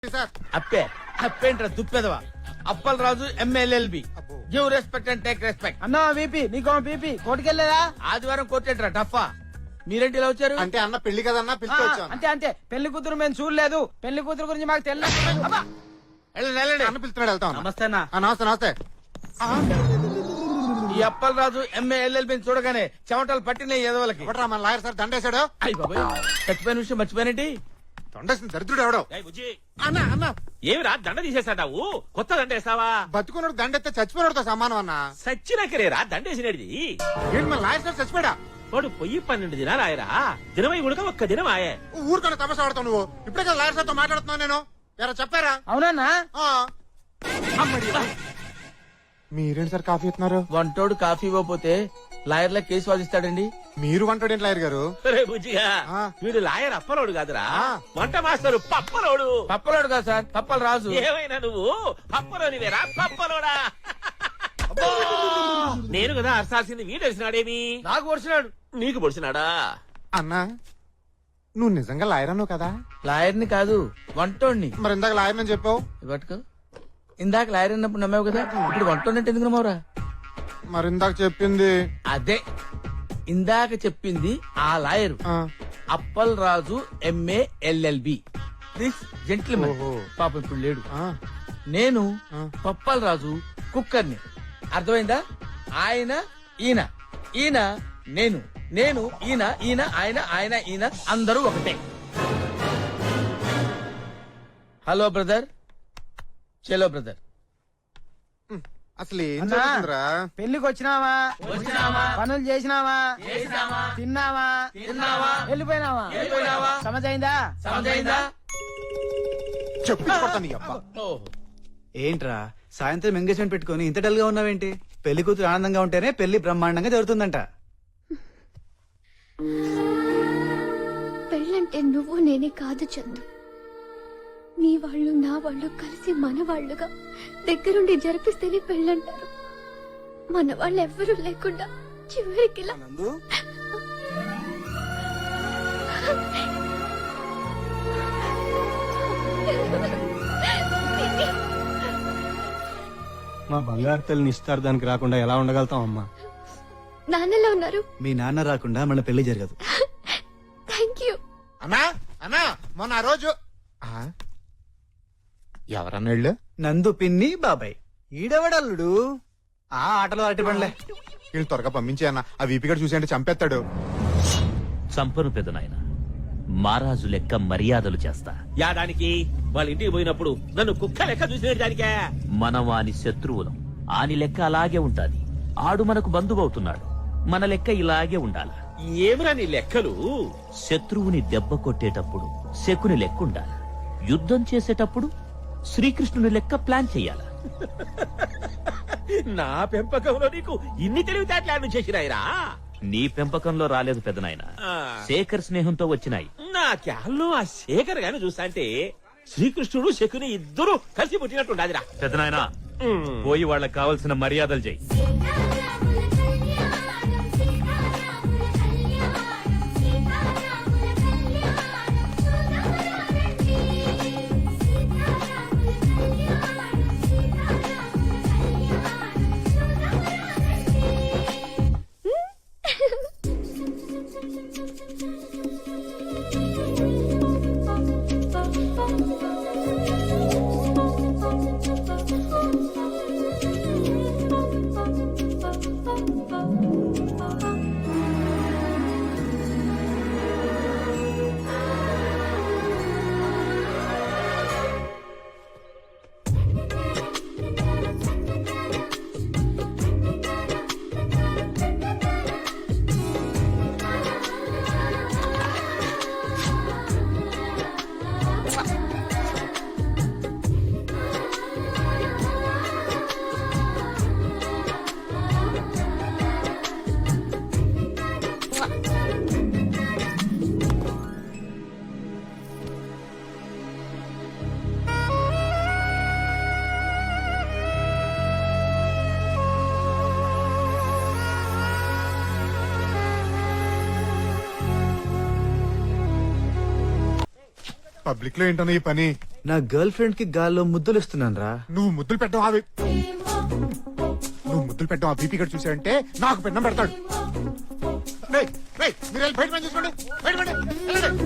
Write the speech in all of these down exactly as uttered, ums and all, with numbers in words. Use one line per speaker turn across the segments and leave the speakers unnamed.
అప్పే అప్పేంట్రా దుప్పేదవా అప్పల్ రాజు ఎమ్మెల్యేల్బి give respect and take respect.
అన్నా బీపీ నీకో బీపీ కోటికెళ్ళలేదా?
ఆదివారం కొట్టేట్రా టఫా. మీరేంటి ఇలా వచ్చారు?
అంటే అన్న పెళ్లి కదన్నా పిలిచి
అంతే అంతే పెళ్లి కూతురు మేము చూడలేదు. పెళ్లి కూతురు గురించి మాకు తెలియదు.
వెళ్ళండి, వెళ్ళండి.
అన్న పిలుస్తున్నాడు వెళ్తాం.
నమస్తే అన్న.
ఆ, నమస్తే నమస్తే.
ఈ అప్పల్ రాజు ఎమ్మెల్యేల్బి చూడగానే చెమటలు పట్టినాయి ఎదవలకి.
ఎవడరా మన లాయర్ సార్ దండేశాడు?
అయ్యి బాబాయ్ చచ్చిపోయిన విషయం మర్చిపోయినట్టి.
దండేసిన దరిద్రుడు ఎవడో. అన్న అన్న
ఏమిరా దండ తీసేసాడావు? కొత్త దండ వేస్తావా?
బతుకున్నాడు దండెత్తే చచ్చిపోయినతో సమానం అన్న.
సచ్చినాకరేరా దండేసినది.
ఏంటి మన లాయర్ సార్ చచ్చిపోయాడా?
వాడు పొయ్యి పన్నెండు దినాలు ఆయరా. దినమై ఉడక ఒక్క దినం ఆయే.
ఊరుకొని తమసా ఆడతావు నువ్వు. ఇప్పుడే కదా లాయర్ సార్ తో మాట్లాడుతున్నావు నేను. ఎవరో చెప్పారా?
అవునన్నా
ఆ. మీరేంటి సార్ కాఫీ ఇస్తున్నారు?
వంటోడు కాఫీ ఇవ్వకపోతే లాయర్ల కేసు వాదిస్తాడండి.
మీరు వంటాడు ఏంటి లాయర్ గారు?
రే బుజ్జిగా,
ఆ.
వీడు లాయర్ అప్పలోడు కాదురా,
ఆ.
వంట మాస్టరు పప్పలోడు.
పప్పలాడు కదా సార్, పప్పల్ రాజు.
ఏమైనా నువ్వు పప్పలోనివేరా పప్పలోడా? నేను కదా అరసాల్సింది వీడు తెలిసినాడేమి?
నాకు వచ్చినాడు.
నీకు పొడిచినాడా?
అన్నా నువ్వు నిజంగా లాయర్ అన్నావు కదా?
లాయర్ని కాదు వంటోడిని.
మరి ఇందాక లాయర్ అని చెప్పావు.
పట్టుకో. ఇందాక లాయర్ అన్నప్పుడు నమ్మావు కదా, ఇప్పుడు వంటోడినట్టు ఎందుకు నమ్మవురా?
మరి ఇందాక చెప్పింది
అదే ఇందాక చెప్పింది ఆ లాయరు.
ఆ.
Appal Raju MA LLB this gentleman.
ఓహో.
పాపం ఇప్పుడు లేడు.
ఆ.
నేను
ఆ.
పప్పల్ రాజు కుక్కర్ని. అర్థమైందా? ఆయన ఈయన, ఈయన నేను, నేను ఈయన, ఈయన ఆయన, ఆయన ఈయన అందరూ ఒకటే. హలో బ్రదర్, చలో బ్రదర్.
అసలు ఏం
అన్నా.
జరుగుతుందిరా?
పెళ్లికి వచ్చినావా? పనులు చేసినావా? తిన్నావా? వెళ్ళిపోయినావా? సమజైందా?
సమజైందా?
చెప్పి కొడతాను నీ అబ్బా.
ఓహో.
ఏంట్రా సాయంత్రం ఎంగేజ్మెంట్ పెట్టుకుని ఇంత డల్ గా ఉన్నావేంటి? పెళ్లి కూతురు ఆనందంగా ఉంటేనే పెళ్లి బ్రహ్మాండంగా జరుగుతుందంట.
పెళ్ళంటే నువ్వు నేనే కాదు చందు. నీ వాళ్ళు నా వాళ్ళు కలిసి మన వాళ్ళుగా దగ్గరుండి జరిపిస్తేనే పెళ్ళంటారు. మన వాళ్ళు ఎవ్వరూ లేకుండా చివరికి ఇలా
మా బంగారు తల్లిని ఇస్తారు దానికి రాకుండా ఎలా ఉండగలుగుతాం అమ్మా?
నాన్నలా ఉన్నారు.
మీ నాన్న రాకుండా మన పెళ్లి జరగదు.
Thank you.
అన్నా అన్నా మొన్న ఆ రోజు ఆ? ఎవరన్నా వెళ్ళు?
నందు పిన్ని బాబాయ్. ఈడవడల్లుడు ఆ ఆటలో అరటి పండ్లే.
వీళ్ళు త్వరగా పంపించే అన్న. ఆ వీపీ గడు చూసి అంటే చంపేస్తాడు.
చంపను పెదనాయన, మారాజు లెక్క మర్యాదలు చేస్తా.
యాదానికి వాళ్ళ ఇంటికి పోయినప్పుడు నన్ను కుక్క లెక్క చూసిన దానికే.
మనం వాని శత్రువులం, ఆని లెక్క అలాగే ఉంటాది. ఆడు మనకు బంధువవుతున్నాడు, మన లెక్క ఇలాగే ఉండాలి.
ఏమిరా నీ లెక్కలు?
శత్రువుని దెబ్బ కొట్టేటప్పుడు శకుని లెక్క ఉండాలి, యుద్ధం చేసేటప్పుడు శ్రీకృష్ణుని లెక్క ప్లాన్ చెయ్యాల.
నా పెంపకంలో నీకు ఇన్ని తెలివితేటలు చేసినాయిరా.
నీ పెంపకంలో రాలేదు పెదనాయన,
ఆ.
శేఖర్ స్నేహంతో వచ్చినాయి.
నా క్యాల్లో ఆ శేఖర్ గాని చూస్తా అంటే శ్రీకృష్ణుడు శకుని ఇద్దరు కలిసి పుట్టినట్టుండాదిరా.
పెదనాయన పోయి వాళ్ళకి కావలసిన మర్యాదలు చెయ్యి.
పబ్లిక్ లో ఏంటన్నా ఈ పని?
నా గర్ల్ ఫ్రెండ్ కి గాల్లో ముద్దులు ఇస్తున్నాను రా.
నువ్వు ముద్దులు పెట్టడం అవి నువ్వు ముద్దులు పెట్టడం ఆ బీపీ గడు చూసావంటే నాకు పెన్నం పెడతాడు. రేయ్, రేయ్, మీరు వెళ్ళి బయట పని చూసుకోండి. బయట పని, వెళ్ళండి.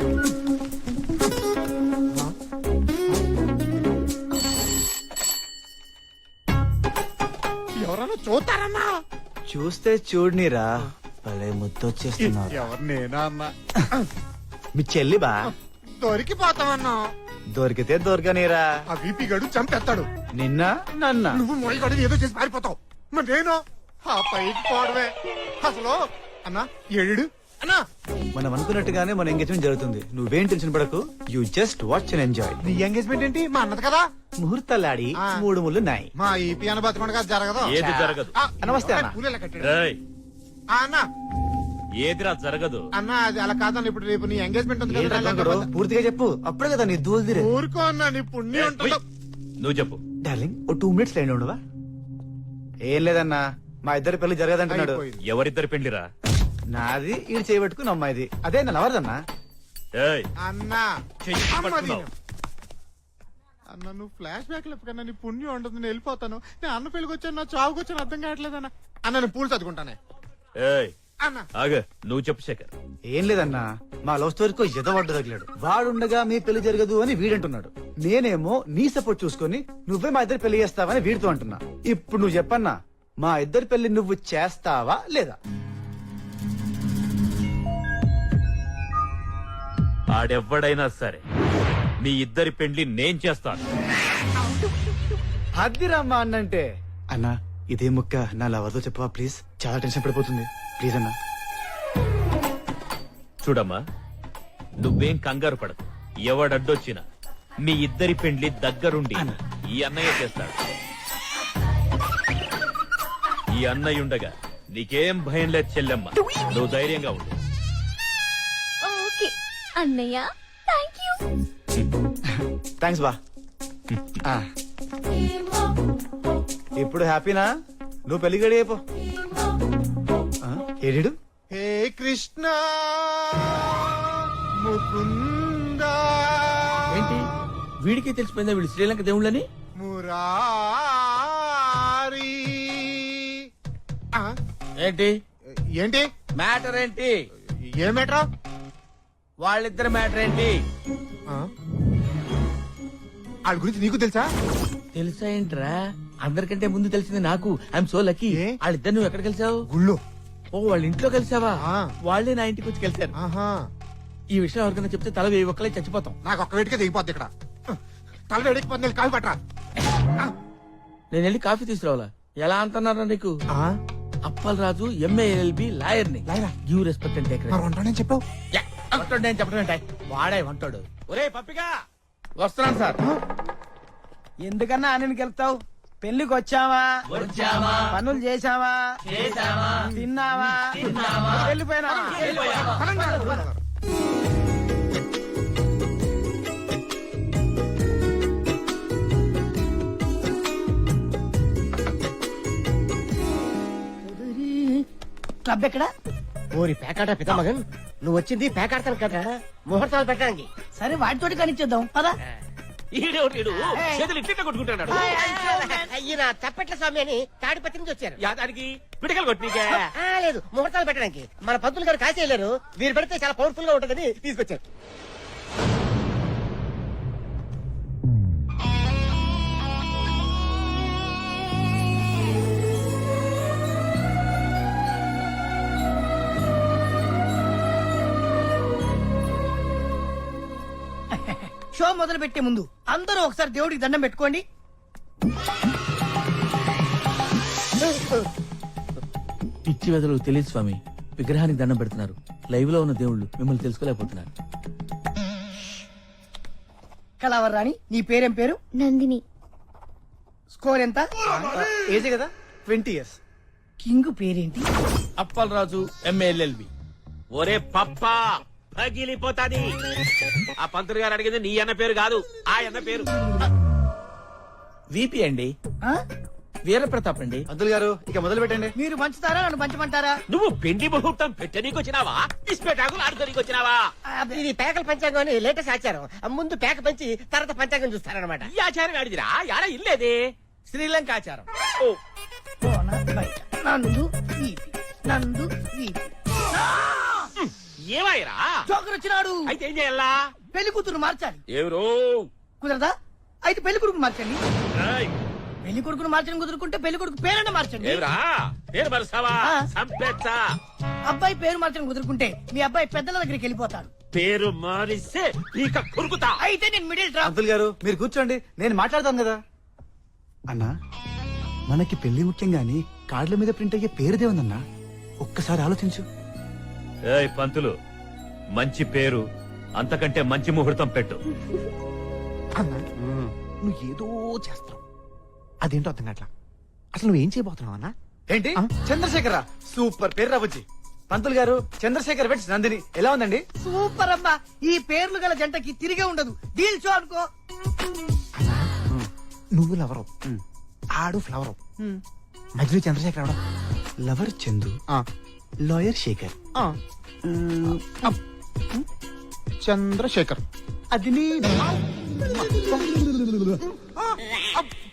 ఎవరన్నా చూస్తారన్నా?
చూస్తే చూడనిరా, భలే ముద్దు వచ్చేస్తున్నారు.
ఎవరు నేనా అన్నా?
మీ చెల్లి బా,
దొరికిపోతామన్నా.
దొరికితే దొరకనిరా.
ఆ బీపీ గడు చంపేస్తాడు.
నిన్న నన్న
నువ్వు మొయ్యి గడు ఏదో చేసి పారిపోతావు. మరి నేను ఆ పైకి పోవడమే. అసలు అన్నా ఏడు అన్నా,
మనం అనుకున్నట్టుగానే మన ఎంగేజ్మెంట్ జరుగుతుంది. నువ్వేం టెన్షన్ పడకు, you just watch and enjoy.
నీ ఎంగేజ్మెంట్ ఏంటి? మా అన్నది కదా.
ముహూర్తాలాడి
ఆ.
మూడు ముళ్ళు నాయి.
మా ఈపీ అన్న బతకుండా జరగదు.
ఏది జరగదు.
ఆ,
నమస్తే అన్న.
పూలెలా కట్టాడు?
ఏయ్,
ఆ, అన్న
ఏదిరా జరగదు.
అన్న అది అలా కాదన్న. ఇప్పుడు రేపు నీ ఎంగేజ్మెంట్ ఉంది
ఏంట్రా
కదా.
గంగడు, పూర్తిగా చెప్పు, అప్పుడే కదా నీ దూల్దిరే.
ఊరుకో అన్న, నీ పుణ్యం ఉంటుందో.
నువ్వు చెప్పు.
డార్లింగ్, ఓ టూ మినిట్స్ లైన్ ఉండవా? ఏం లేదన్నా, మా ఇద్దరి పెళ్లి జరగదంటున్నాడు.
అయిపోయింది.
ఎవరిద్దరు పెళ్లిరా?
నాది ఈడు చేయబెట్టుకుని అమ్మాయిది. అదే నా ఎవరిదన్నా?
ఏయ్,
అన్న
చెయ్యి
అమ్మ
పట్టుకున్నావు.
దీని. అన్న నువ్వు ఫ్లాష్ బ్యాక్ లేకన్నా నీ పుణ్యం ఉంటుంది. నేను వెళ్ళిపోతాను. నేను అన్న పెళ్లికి వచ్చాను, నా చావుకి వచ్చాను, అర్థం కావట్లేదన్న. అన్న నేను పూలు చదువుకుంటానే.
ఏయ్,
అన్న
ఆగ, నువ్వు చెప్పు శేఖర్.
ఏం లేదన్నా, మా లవ్ స్టోరీకో ఎదవడ్డు తగిలాడు. వాడుండగా మీ పెళ్లి జరగదు అని వీడంటున్నాడు. నేనేమో నీ సపోర్ట్ చూసుకొని నువ్వే మా ఇద్దరు పెళ్లి చేస్తావని వీడితో అంటున్నా. ఇప్పుడు నువ్వు చెప్పన్నా, మా ఇద్దరి పెళ్లి నువ్వు చేస్తావా లేదా?
ఆడెవ్వడైనా సరే మీ ఇద్దరి పెళ్లి నేను చేస్తాను.
అద్దిరమ్మా అన్నంటే. అన్నా, ఇదే ముక్క నా లవర్తో చెప్పవా ప్లీజ్? చాలా టెన్షన్ పడిపోతుంది ప్లీజ్ అన్నా.
చూడమ్మా, నువ్వేం కంగారు పడదు. ఎవడడ్డొచ్చినా మీ ఇద్దరి పెండ్లి దగ్గరుండి ఈ అన్నయ్య చేస్తాడు. ఈ అన్నయ్య ఉండగా నీకేం భయం లేదు చెల్లెమ్మ. నువ్వు ధైర్యంగా ఉండు.
ఓకే అన్నయ్య, థ్యాంక్ యూ.
థ్యాంక్స్ బా. ఆ. ఇప్పుడు హ్యాపీనా? నువ్వు పెళ్లి గడి అయిపో. ఏడు
హే కృష్ణ ముకుంద
ఏంటి వీడికి తెలిసిపోయిందా వీళ్ళు శ్రీలంక దేవుళ్ళని?
మురారి. ఆ,
ఏంటి
ఏంటి
మ్యాటర్ ఏంటి?
ఏమేట్రా?
వాళ్ళిద్దరి మ్యాటర్ ఏంటి?
వాళ్ళ గురించి నీకు తెలుసా?
తెలుసా ఏంట్రా? అందరికంటే ముందు తెలిసింది నాకు. I'm so lucky.
ఏ?
వాళ్ళిద్దరు నువ్వు ఎక్కడ కలిసావు?
గుళ్ళో.
ఓ, వాళ్ళ ఇంట్లో కలిసావా?
ఆ.
వాళ్ళే నా ఇంటికి వచ్చి కలిసారు.
ఆహా,
ఈ విషయం ఎవరికైనా చెప్తే తల వేయి ఒక్కలే చచ్చిపోతాం.
నాకు ఒక్క వేడికే దిగిపోద్ది ఇక్కడ. తల వేడికి పది కాలు పట్టరా.
నేను వెళ్ళి కాఫీ తీసుకురావాలా? ఎలా అంటున్నారా నీకు? అప్పల్ రాజు ఎంఏఎల్బి లాయర్ ని.
లాయరా?
గివ్ రెస్పెక్ట్ అంటే
మరి ఉంటానని చెప్పావు.
అంటాడు, నేను చెప్పడం ఏంటి? వాడే అంటాడు.
ఒరే పప్పిగా,
వస్తున్నాను సార్.
ఎందుకన్నా ఆనకి వెళ్తావు? పెళ్లికి వచ్చావా? పనులు చేసావా? తిన్నావా? వెళ్ళిపోయినావా?
క్లబ్ ఎక్కడ? ఓరి పేకాట పితామగన్, నువ్వు వచ్చింది పేకాడతాను కదా, ముహూర్తాలు పెట్టడానికి. సరే వాటితోటి కనిచేద్దాం పదా.
ఈడేవుడు చేతులు ఇట్లా కొట్టుకుంటాడు.
ఈయన తప్పెట్ల స్వామి అని తాడిపత్రి నుంచి వచ్చారు.
యాదానికి పిడకలు కొట్టినీకే.
ఆ, లేదు ముహూర్తాలు పెట్టడానికి. మన పంతులు గారు కాసేయలేరు, వీరు పెడితే చాలా పవర్ఫుల్ గా ఉంటుందని తీసుకొచ్చారు. షో మొదలు పెట్టే ముందు అందరూ ఒకసారి దేవుడికి దండం పెట్టుకోండి.
పిచ్చి వెదలు తెలియదు స్వామి. విగ్రహానికి దండం పెడుతున్నారు. లైవ్ లో ఉన్న దేవుళ్ళు మిమ్మల్ని తెలుసుకోలేకపోతున్నారు.
కళావరాణి, నీ పేరేం పేరు?
నందిని.
స్కోర్ ఎంత?
ఏజే కదా, ట్వంటీ ఇయర్స్.
కింగ్ పేరేంటి?
అప్పల్ రాజు ఎంఏఎల్ఎల్బి.
ఒరే పప్పా, పగిలిపోతాది. ఆ పంతులు గారు అడిగింది నీ అన్న పేరు కాదు, ఆ అన్న పేరు.
విపి అండి.
ఆ?
వీరప్రతాప్ అండి.
పంతులు గారు ఇక మొదలు పెట్టండి.
మీరు పంచుతారా నన్ను పంచమంటారా?
నువ్వు పెండి ముహూర్తం పెట్టనీకి వచ్చినావా ఇస్పేటాకులు ఆడుకోనికి వచ్చినావా?
ఇది పేకల పంచాంగం అని లేటెస్ట్ ఆచారం. ముందు పేక పంచి తర్వాత పంచాంగం చూస్తారనమాట.
ఈ ఆచారం ఆడిదిరా యాడ ఇల్లేదే
శ్రీలంక ఆచారం.
నందు వీపి, నందు వీపి.
ఏమాయరా
జోకర్ వచ్చినాడు.
అయితే ఏం చేయాలా?
పెళ్లి కూతురు మార్చాలి.
ఎవరో
కుదరదా? అయితే పెళ్లి కొడుకు మార్చండి.
ఏయ్,
పెళ్లి కొడుకును మార్చడం కుదురుకుంటే పెళ్లి కొడుకు పేరన్న మార్చండి.
ఏవరా పేరు మరుసావా
ఆ.
సంపెచ్చా
అబ్బాయి పేరు మార్చడం కుదురుకుంటే మీ అబ్బాయి పెద్దల దగ్గరికి వెళ్ళిపోతాడు.
పేరు మారిస్తే ఇక కురుకుతా.
అయితే నేను మిడిల్ డ్రాప్.
పంతులు గారు మీరు కూర్చోండి, నేను మాట్లాడతాను కదా. అన్నా, మనకి పెళ్లి ముఖ్యం గాని కార్డుల మీద ప్రింట్ అయ్యే పేరుదే ఉందన్నా. ఒక్కసారి ఆలోచించు.
ఏయ్ పంతులు, మంచి పేరు అంతకంటే మంచి ముహూర్తం పెట్టు.
అన్నా నువ్వు ఏదో చేస్తావు, అదేంటో అర్థం కావట్లా. అసలు నువ్వేం చేయబోతున్నావు అన్నా?
ఏంటి చంద్రశేఖర? సూపర్ పేరు రావచ్చి. పంతులు గారు, చంద్రశేఖర్ వెట్స్ నందిని ఎలా ఉందండి?
సూపర్ అమ్మా. ఈ పేర్లు గల జంటకి తిరిగే ఉండదు. డీల్ షో అనుకో.
నువ్వు లవరు, ఆడు ఫ్లవరు, మధ్యలో చంద్రశేఖర్ అవడం.
Lover Chandu, lawyer Sekhar. మ్మ్, అప్.
చంద్రశేఖర్
అది నీ